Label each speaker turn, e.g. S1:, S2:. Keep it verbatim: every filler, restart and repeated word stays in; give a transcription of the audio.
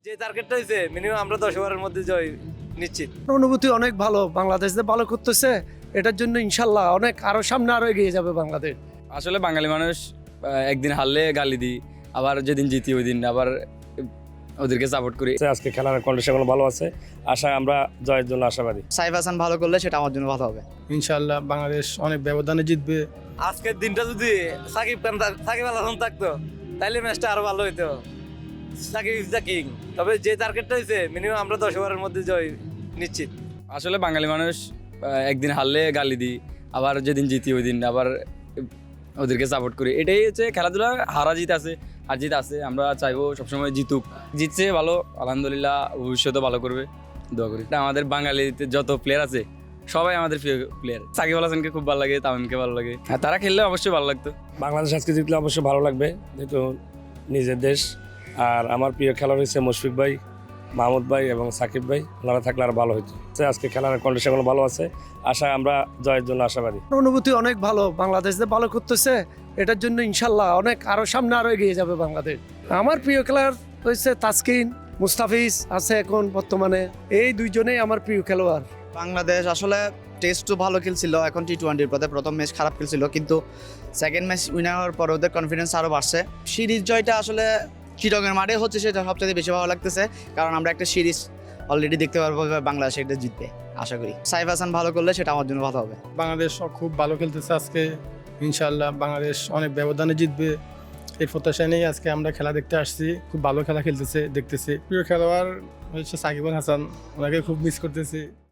S1: যে টার্গেটটা হয়েছে মিনিমাম আমরা দশ ওভারের মধ্যে জয় নিশ্চিত।
S2: অনুভূতি অনেক ভালো, বাংলাদেশ যে ভালো করতেছে এটার জন্য ইনশাল্লাহ অনেক আরো সামনে আরো এগিয়ে যাবে বাংলাদেশ।
S3: আসলে বাঙালি মানুষ আহ, একদিন হারলে গালি দিই, আবার যেদিন জিতি ওই দিন আবার ওদেরকে সাপোর্ট করি।
S4: আজকে খেলার কন্ডিশন ভালো আছে, আশা আমরা জয়ের জন্য আশাবাদী।
S5: সাইফ হাসান ভালো করলে সেটা আমার জন্য ভালো হবে।
S2: ইনশাল্লাহ বাংলাদেশ অনেক ব্যবধানে জিতবে।
S1: আজকের দিনটা যদি সাকিব খান থাক- সাকিব আল হাসান থাকতো তাইলে ম্যাচটা আরো ভালো হইতো। Shakib is the king. তবে যে টার্গেটটা হয়েছে মিনিমাম আমরা দশ ওভারের মধ্যে জয় নিশ্চিত।
S3: আসলে বাঙালি মানুষ আহ, একদিন হারলে গালি দিই, আবার যেদিন জিতি ওই দিন আবার ওদেরকে সাপোর্ট করি। এটাই হচ্ছে খেলাধুলা, হারা জিত আছে আর জিত আছে। আমরা চাইবো সবসময় জিতুক, জিতছে ভালো, আলহামদুলিল্লাহ ভবিষ্যতে ভালো করবে, দোয়া করি। এটা আমাদের বাঙালিতে যত প্লেয়ার আছে সবাই আমাদের প্রিয় প্লেয়ার। সাকিব আল হাসানকে খুব ভালো লাগে, তামিমকে ভালো লাগে, আর তারা খেললে অবশ্যই ভালো লাগতো।
S4: বাংলাদেশ আজকে জিতলে অবশ্যই ভালো লাগবে, যেহেতু নিজের দেশ। আর আমার প্রিয় খেলোয়াড় হচ্ছে মুশফিক ভাই, মাহমুদ ভাই এবং সাকিব ভাই। ওনারা থাকলে আর ভালো হতো। আজকে খেলার কন্ডিশন ভালো আছে, আশা আমরা জয়ের জন্য আশাবাদী।
S2: অনুভূতি অনেক ভালো, বাংলাদেশ যে ভালো করতেছে এটার জন্য ইনশাল্লাহ অনেক আরো সামনে আরো এগিয়ে যাবে বাংলাদেশ। আমার প্রিয় খেলোয়াড় হচ্ছে তাসকিন, মুস্তাফিজ আছে এখন বর্তমানে, এই দুইজনেই আমার প্রিয় খেলোয়াড়।
S5: বাংলাদেশ আসলে টেস্টও ভালো খেলছিল, এখন টি টোয়েন্টির পথে। প্রথম ম্যাচ খারাপ খেলছিল, কিন্তু সেকেন্ড ম্যাচ উইনার হওয়ার পর ওদের কনফিডেন্স আরও বাড়ছে। সিরিজ জয়টা আসলে চিটাগংয়ের মাঠে হচ্ছে, সেটা সবচেয়ে বেশি ভালো লাগতেছে, কারণ আমরা একটা সিরিজ অলরেডি দেখতে পারবো বাংলাদেশ এটা জিতবে আশা করি। সাইফ হাসান ভালো করলে সেটা আমার জন্য ভালো হবে।
S2: বাংলাদেশ খুব ভালো খেলতেছে আজকে, ইনশাল্লাহ বাংলাদেশ অনেক ব্যবধানে জিতবে এই প্রত্যাশা নিয়ে আজকে আমরা খেলা দেখতে আসছি। খুব ভালো খেলা খেলতেছে দেখতেছি। প্রিয় খেলোয়াড় হচ্ছে সাকিব আল হাসান, ওনাকে খুব মিস করতেছি।